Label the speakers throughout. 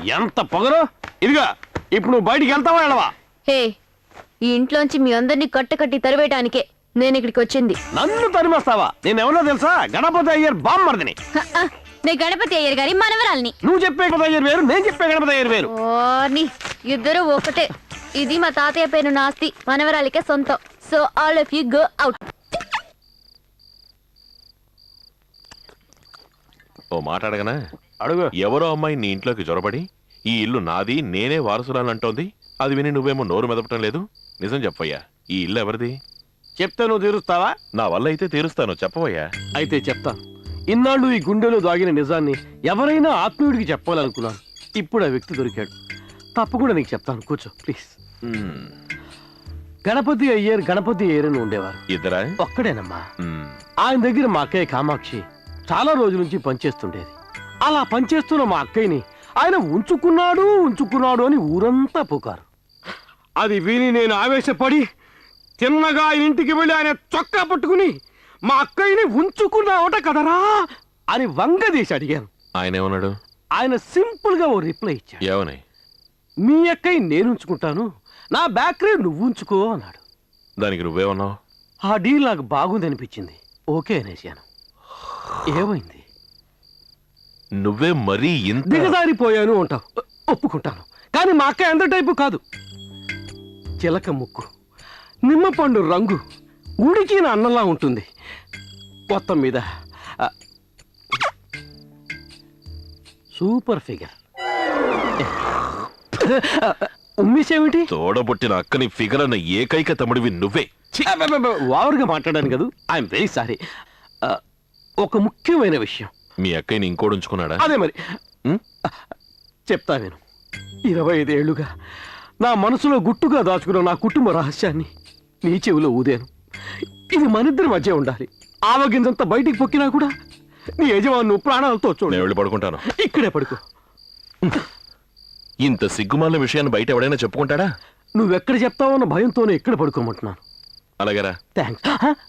Speaker 1: ఎంత పొగరు. ఇదిగా ఇప్పుడు నువ్వు బయటికి వెళ్తావా వెళ్ళవా?
Speaker 2: హే, ఈ ఇంట్లోంచి మీ అందరినీ కట్టకట్టి తరివేయటానికే నేను ఇక్కడికి వచ్చింది.
Speaker 1: నన్ను తరిమేస్తావా? నేను ఎవరో తెలుసా? గణపతి అయ్యర్ బామ్మర్దిని.
Speaker 2: నేను గణపతి అయ్యర్ గారి మనవరాల్ని.
Speaker 1: నువ్వు చెప్పే గణపతి అయ్యర్ వేరు, నేను చెప్పే గణపతి అయ్యర్ వేరు.
Speaker 2: ఇద్దరు ఒకటే. ఇది మా తాతయ్య పేరు నాస్తి, మనవరాలికే సొంతం. So all of you go out.
Speaker 3: ఓ మాట్లాడగనా?
Speaker 1: అడుగు.
Speaker 3: ఎవరో అమ్మాయి నీ ఇంట్లోకి జొరబడి ఈ ఇల్లు నాది, నేనే వారసురాలు అంటోంది. అది విని నువ్వేమో నోరు మెదపటం లేదు. నిజం చెప్పయ్యా, ఈ ఇల్లు ఎవరిది?
Speaker 1: చెప్తే నువ్వు తీరుస్తావా?
Speaker 3: నా వల్ల అయితే తీరుస్తాను, చెప్పవయ్యా.
Speaker 1: అయితే చెప్తాను. ఇన్నాళ్ళు ఈ గుండెలో దాగిన నిజాన్ని ఎవరైనా ఆత్మీయుడికి చెప్పాలనుకున్నాను. ఇప్పుడు ఆ వ్యక్తి దొరికాడు. తప్పకుండా నీకు చెప్తాను, కూర్చో ప్లీజ్. గణపతి అయ్యర్ అని ఉండేవారు.
Speaker 3: ఇద్దరా?
Speaker 1: ఒక్కడేనమ్మా. ఆయన దగ్గర మా అక్కయ్య కామాక్షి చాలా రోజుల నుంచి పనిచేస్తుండేది. అలా పనిచేస్తున్న మా అక్కయ్యని ఆయన ఉంచుకున్నాడు అని ఊరంతా పుకారు. అది విని నేను ఆవేశపడి తిన్నగా ఆయన ఇంటికి వెళ్ళి ఆయన చొక్కా పట్టుకుని మా అక్కయ్యని ఉంచుకున్నావట కదరా అని వంగదీసి అడిగాను.
Speaker 3: ఆయన ఏమన్నాడు?
Speaker 1: ఆయన సింపుల్ గా ఓ రిప్లై ఇచ్చాడు.
Speaker 3: ఏమని?
Speaker 1: మీ అక్కయ్య నేను ఉంచుకుంటాను, నా బ్యాకరీ నువ్వు ఉంచుకో అన్నాడు.
Speaker 3: దానికి నువ్వేమన్నావు?
Speaker 1: ఆ డీల్ నాకు బాగుంది అనిపించింది, ఓకే అనేసాను. ఏమైంది?
Speaker 3: నువ్వే మరీ ఇంత
Speaker 1: దిగజారిపోయాను అంటావు, ఒప్పుకుంటాను. కానీ మా అక్క ఎంత టైపు కాదు. చిలక ముక్కు, నిమ్మపండు రంగు, ఉడికిన అన్నంలా ఉంటుంది. మొత్తం మీద సూపర్ ఫిగర్. ఉమ్మేసేమిటి?
Speaker 3: తోడబుట్టిన అక్కని ఫిగర్ అన్న ఏకైక తమ్ముడివి నువ్వే.
Speaker 1: ఓవర్గా మాట్లాడాను కదా, ఐఎమ్ వెరీ సారీ. ఒక ముఖ్యమైన విషయం.
Speaker 3: మీ అక్కయ్యని ఇంకోడు ఉంచుకున్నాడా?
Speaker 1: అదే మరి చెప్తా నేను. 25 ఏళ్లుగా నా మనసులో గుట్టుగా దాచుకున్న నా కుటుంబ రహస్యాన్ని నీ చెవిలో ఊదాను. ఇది మనిద్దరి మధ్య ఉండాలి. ఆవగింజంతా బయటికి పొక్కినా కూడా నీ యజమాను ప్రాణాలతో చూడు.
Speaker 3: నేను వెళ్ళి పడుకుంటాను.
Speaker 1: ఇక్కడే పడుకో.
Speaker 3: ఇంత సిగ్గుమాలిన విషయాన్ని బయట ఎవడైనా చెప్పుకుంటాడా?
Speaker 1: నువ్వెక్కడ చెప్తావన్న భయంతోనే ఇక్కడ పడుకోమంటున్నాను.
Speaker 3: అలాగేరా.
Speaker 1: థ్యాంక్స్.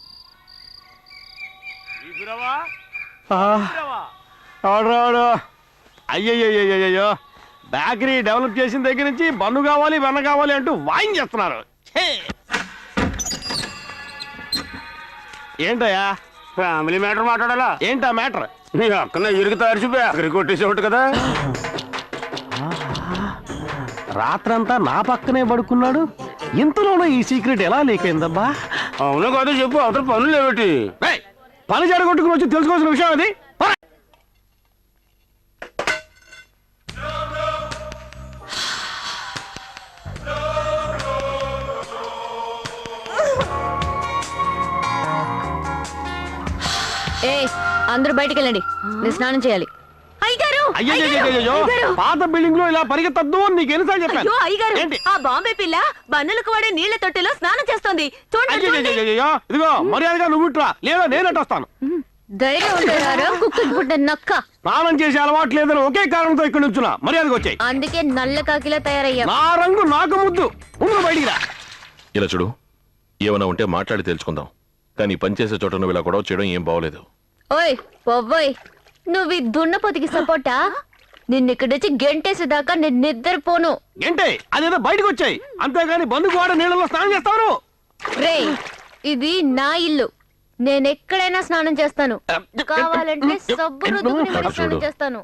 Speaker 1: అయ్యయ్యో, బేకరీ డెవలప్ చేసిన దగ్గర నుంచి బన్ను కావాలి వెన్న కావాలి అంటూ వాయించేస్తున్నారు. ఏంటయ్యా?
Speaker 4: ఫ్యామిలీ మ్యాటర్ మాట్లాడాలా?
Speaker 1: ఏంటా మ్యాటర్?
Speaker 4: నీ అక్కన ఇరుగు తరిచి బేకరీ కొట్టేసేవాడు కదా.
Speaker 1: రాత్రంతా నా పక్కనే పడుకున్నాడు. ఇంతలోనే ఈ సీక్రెట్ ఎలా లీక్ అయిందబ్బా?
Speaker 4: అవును కాదు చెప్పు, అవతల పనులు లేవటి?
Speaker 1: పని జరగొట్టుకుని వచ్చి తెలుసుకోవాల్సిన విషయం అది.
Speaker 2: అందరూ బయటికి వెళ్ళండి, నేను స్నానం చేయాలి.
Speaker 1: అయ్యో, పాత బిల్డింగ్ లో ఇలా పరిగెత్తద్దు అని నీకు ఎన్నిసార్లు చెప్పాను.
Speaker 5: ఆ బాంబే పిల్ల బన్నులకు వాడే నీళ్ల తొట్టెలో స్నానం చేస్తోంది.
Speaker 1: ఇదిగో మర్యాదగా నువ్వు ఇట్రా, లేదా నేనట్టు వస్తాను. స్నానం చేసే అలవాటు లేదని ఒకే కారణంతో ఇక్కడ నుంచున్నా. మర్యాదగా వచ్చాయి.
Speaker 2: అందుకే నల్ల కాకిలా తయారయ్యా.
Speaker 1: నా రంగు నాకు ముద్దు. బయటికి రా.
Speaker 3: ఇలా చూడు, ఏమైనా ఉంటే మాట్లాడి తెలుసుకుందాం. కానీ పనిచేసే చోట నువ్వు ఇలా గొడవ చేయడం ఏం బాగోలేదు.
Speaker 2: ఓయ్ పొవ్వోయ్, నువ్వు ఈ దున్నపోతికి సపోర్టా? నిన్నిక్కడొచ్చి గెంటేసేదాకా నేను నిద్రపోను.
Speaker 1: గంటే అదేదో బయటకు వచ్చాయి, అంతేగాని బంధుకు వాడ నీళ్ళలో స్నానం చేస్తాను.
Speaker 2: రే, ఇది నా ఇల్లు, నేనెక్కడైనా స్నానం చేస్తాను. కావాలంటే సబ్బు రుద్దుకుని మరి స్నానం చేస్తాను.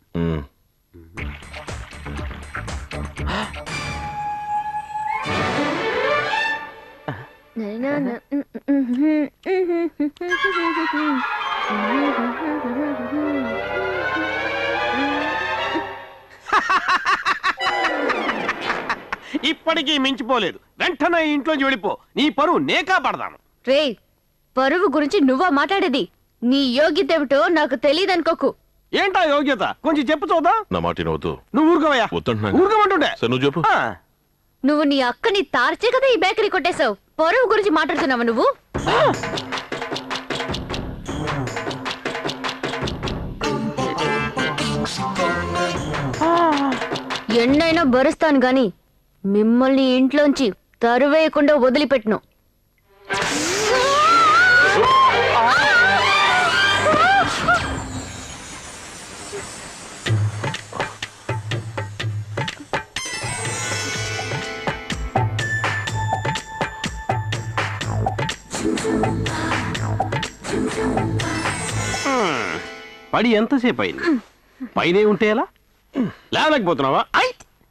Speaker 1: ఇప్పటికీ మించిపోలేదు. వెంటనే ఇంట్లోంచి వెళ్ళిపో. నీ పరువు నేకా పడదాను.
Speaker 2: రే, పరువు గురించి నువ్వా మాట్లాడేది? నీ యోగ్యత ఏమిటో నాకు తెలియదనుకోకు.
Speaker 1: ఏంటా యోగ్యత? కొంచెం చెప్పు చూద్దాం.
Speaker 3: నా మాట వినవద్దు.
Speaker 1: నువ్వు ఊరుకోవయ్యా. ఊరుకోమంటుండే.
Speaker 3: నువ్వు చెప్పు.
Speaker 2: నువ్వు నీ అక్కని తార్చే కదా ఈ బేకరీ కొట్టేశావు. పరువు గురించి మాట్లాడుతున్నావా నువ్వు? ఎన్నైనా భరుస్తాను గాని మిమ్మల్ని ఇంట్లోంచి తరువేయకుండా వదిలిపెట్టును.
Speaker 1: పడి ఎంతసేపు అయింది? పైనే ఉంటే ఎలా? లేవలేకపోతున్నావా? ఐ!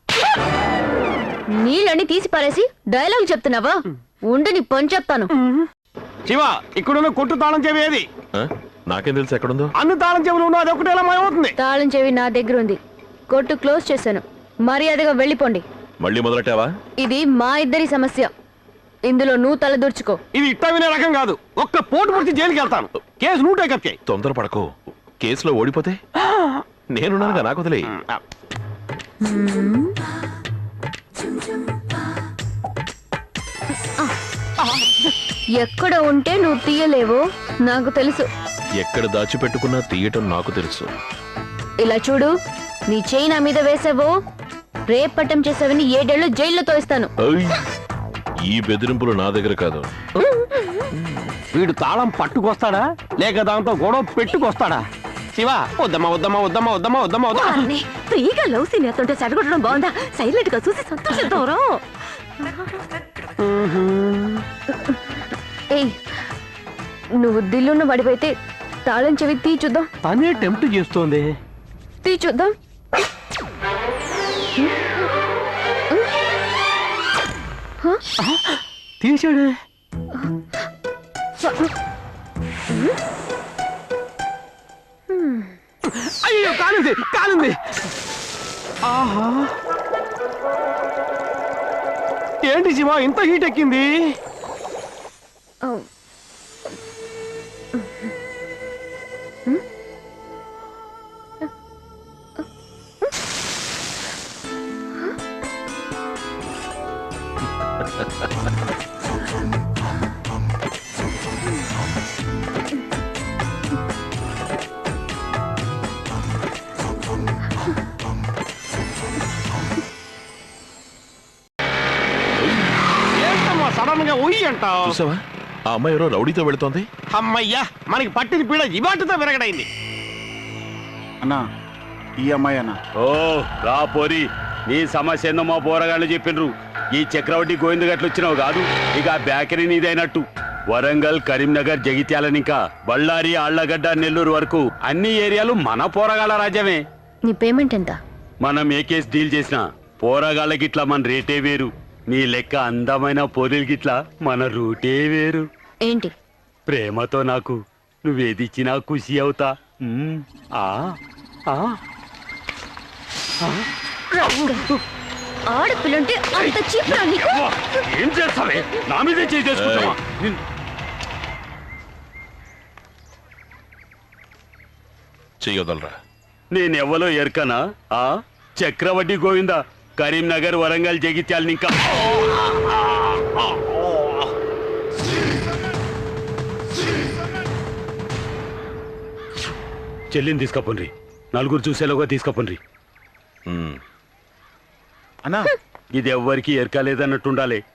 Speaker 2: నీళ్ళని తీసి పారేసి డైలాగ్ చెప్తున్నావా? ఉండి నీ పని చెప్తాను.
Speaker 1: శివ, ఇక్కడున్న కొట్టు తాళం చెవి ఏది?
Speaker 3: ఆ? నాకేం తెలుసు ఎక్కడుందో.
Speaker 1: అన్ని తాళం చెవులు ఉన్నా అది ఒకటి ఎలా మాయమవుతుంది?
Speaker 2: తాళం చెవి నా దగ్గర ఉంది. కొట్టు క్లోజ్ చేశాను. మర్యాదగా వెళ్ళిపోండి.
Speaker 3: మళ్ళీ మొదలెట్టావా?
Speaker 2: ఇది మా ఇద్దరి సమస్య. ఇందులో నువ్వు తలదూర్చుకో.
Speaker 1: ఇది ఇట్టా వినే రకం కాదు. ఒక్క పోటు పుడిచి జైలుకి వెళ్తాను. కేసు నువ్వు టేకప్ చేయి.
Speaker 3: తొందరపడకు. కేసులో ఓడిపోతే నేనున్నానుగా, నాకు వదిలే.
Speaker 2: ఎక్కడ ఉంటే నువ్వు తీయలేవో నాకు తెలుసు.
Speaker 3: ఎక్కడ దాచిపెట్టుకున్నా తీయటం నాకు తెలుసు.
Speaker 2: ఇలా చూడు, నీ చేయి నా మీద వేసావో రేపట్టం చేసావని 7 ఏళ్ళు జైల్లో తోయిస్తాను.
Speaker 3: ఐ! ఈ బెదిరింపులు నా దగ్గర కాదు.
Speaker 1: వీడు తాళం పట్టుకొస్తాడా లేక దాంతో గొడవ పెట్టుకొస్తాడా? శివ, వద్దమ్మా వద్దమ్మా వద్దమ్మా వద్దమ్మా వద్దమ్మా వద్దమ్మా.
Speaker 5: వారిని ఫ్రీగా లవ్ సీన్ ఎత్తుంటే చెడగొట్టడం బాగుందా? సైలెంట్ గా చూసి సంతోషిద్దాం.
Speaker 2: ఏయ్, నువ్వు దిల్లున్న పడిపోయితే తాళం చెవి తీ చూద్దాం.
Speaker 1: తనే టెంప్ట్ చేస్తోంది.
Speaker 2: తీ చూద్దాం.
Speaker 1: తీసాడే. అయ్యో, కాలింది కాలింది. ఆహా, ఏంటి శివ ఇంత హీట్ ఎక్కింది? ఏంటమ్మా సడన్ గా ఉయ్యి అంటావు?
Speaker 3: చూసావా, ఆ అమ్మాయి ఎవరో రౌడీతో వెళుతోంది.
Speaker 1: అమ్మయ్యా, మనకి పట్టిన పీడ ఇవాటితో విరగడైంది.
Speaker 6: అన్నా, ఈ అమ్మాయి అన్న.
Speaker 4: ఓ రా పోరి, నీ సమస్య ఏందో మా పోరగాళ్ళు చెప్పిండ్రు. ఈ చక్రవర్తి గోవింద గట్లు వచ్చినావు కాదు, ఇక ఆ బేకరీ నీదైనట్టు. వరంగల్, కరీంనగర్, జగిత్యాలని ఇంకా బళ్ళారి, ఆళ్లగడ్డ, నెల్లూరు వరకు అన్ని ఏరియాలు మన పోరగాళ్ళ రాజ్యమే.
Speaker 2: నీ పేమెంట్ ఎంత?
Speaker 4: మనం ఏ కేసు డీల్ చేసినా పోరగాళ్ళకి ఇట్లా మన రేటే వేరు. నీ లెక్క అందమైన పోరీలకి ఇట్లా మన రూటే వేరు.
Speaker 2: ఏంటి?
Speaker 4: ప్రేమతో నాకు నువ్వేదిచ్చినా ఖుషి అవుతా. ఆ ఆ
Speaker 2: ఆడపిల్లంటే అంత చీప్రా నీకు?
Speaker 4: ఏం చేస్తావే? నా మీదే చేసుకుంటావా?
Speaker 3: చెయ్యొదలరా.
Speaker 4: నేనెవ్వలో ఎరకనా? ఆ చక్రవడ్డీ గోవింద, కరీంనగర్, వరంగల్, జగిత్యాలని ఇంకా చెల్లిని తీసుకపోండి. నలుగురు చూసేలోగా తీసుకపోండి.
Speaker 3: ఉమ్.
Speaker 6: అన్నా,
Speaker 4: ఇది ఎవ్వరికి ఎరకలేదన్నట్టుండాలి.